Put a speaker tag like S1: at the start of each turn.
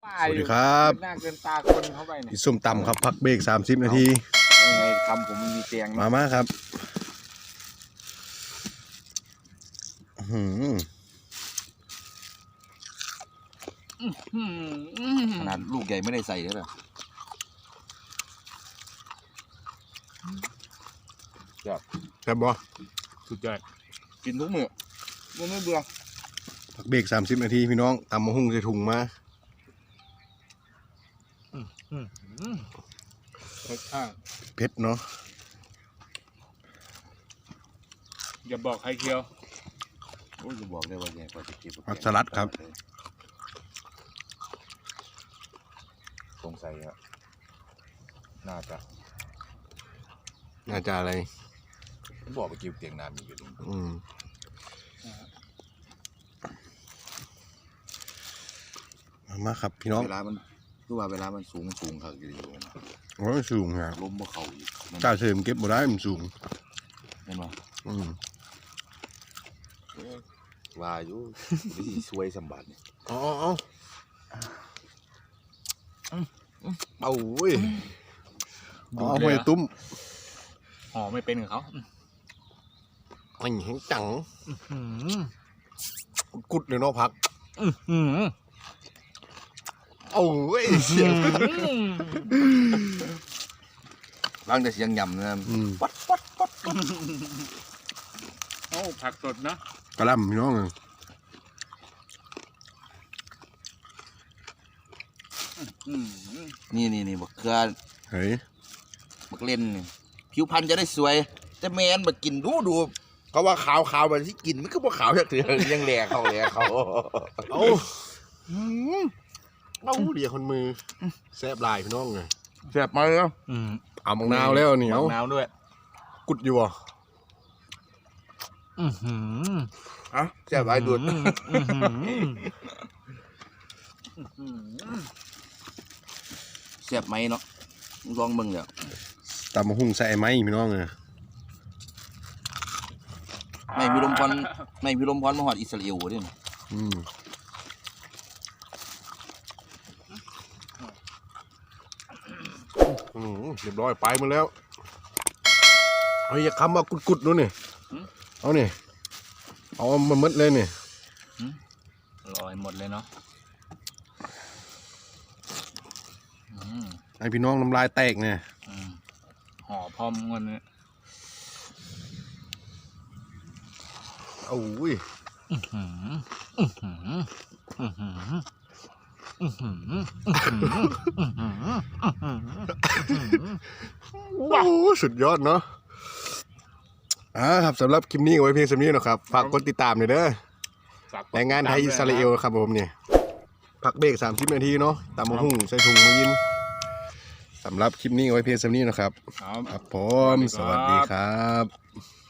S1: สวัสดีครับหน้าเกินตาคนเข้าไปเนี่ยส้มตำครับพักเบรก30 นาที
S2: ไงคำผมมีเตียง
S1: มาครับ
S2: ขนาดลูกใหญ่ไม่ได้ใส่เลยเหรอ
S1: แซ่บบ่
S2: สุดยอดกินทุกมื้อไม่เบื่อ
S1: พักเบรก30 นาทีพี่น้องตำมะฮุ่งใส่ถุงมาเผ็ดเนาะ
S3: อย่าบอกใครเคียว
S2: โอ้ยจะบอกได้ว่าไงพอจะกิน
S1: ผักสลัดครับ
S2: สงสัยครับน่าจะ
S1: อะไร
S2: บอกไปกินเตียงน้ำมีอยู่ตรง
S1: มาครับพี่น้อง
S2: เวลามันรู้ว่าเวลามันสูงครับอยู่
S1: โอ้ยสูงครับ
S2: ล้มบ่เข่าอีก
S1: กล้าเสริมเก็บบ่ได้มันสูง
S2: เห็นไหมว่าอยู่ดีสวยสมบัติเนี่ย
S1: เอาเว้ยเอาไปตุ้ม
S3: ห่อไม่เป็นกับเขา
S1: อันแห้งจังกุดเลยเนาะพักเอาเว้ยเสียง
S2: ร่างแต่เสียงยำนะ
S3: ปัดโอ้ผักสดนะ
S1: กระลำพี่น้อง
S2: นี่บักเกลือ
S1: เฮ้ย
S2: บักเล่นผิวพรรณจะได้สวยจะแมนบักกินดูเขาว่าขาวแบบที่กินมันก็บ่ขาวจากเถื่อนยังแหลกเขา
S1: เอาเดี๋ยวคนมือแซ่บลายพี่น้องไง
S2: แซ่บมาแล้ว
S1: เอามะนาวแล้วเหนียว
S2: มะนาวด้วย
S1: กุดอยู่อ่ะ
S2: แซ่บหลายดุดแซ่บไหมเนาะลองมึงเดี๋ยว
S1: ตำมะฮุ่งใส่ไหมพี่น้องไง
S2: ไม่มีลมพรมาหอดอิสราเอลด้วย
S1: เรียบร้อยไปมาแล้วเฮ้ยอย่าคำว่ากุดๆนู้นนี่เอาเนี่ยเอามันมัดเลยเนี่ย
S3: ลอยหมดเลยเนาะ
S1: ไอพี่น้องน้ำลายแตกเนี่ย
S3: ห่อพร้อมกันเนี่ย
S1: โอ้ยว้าวสุดยอดเนาะครับสำหรับคลิปนี้ไว้เพียงเท่านี้นะครับฝากกดติดตามหน่อยเด้อแรงงานไทยอิสราเอลครับผมเนี่ยพักเบรก30 นาทีเนาะตำมะฮุ่งใส่ถุงมือยินสำหรับคลิปนี้ไว้เพียงเท่านี้นะครับครับผมสวัสดีครับ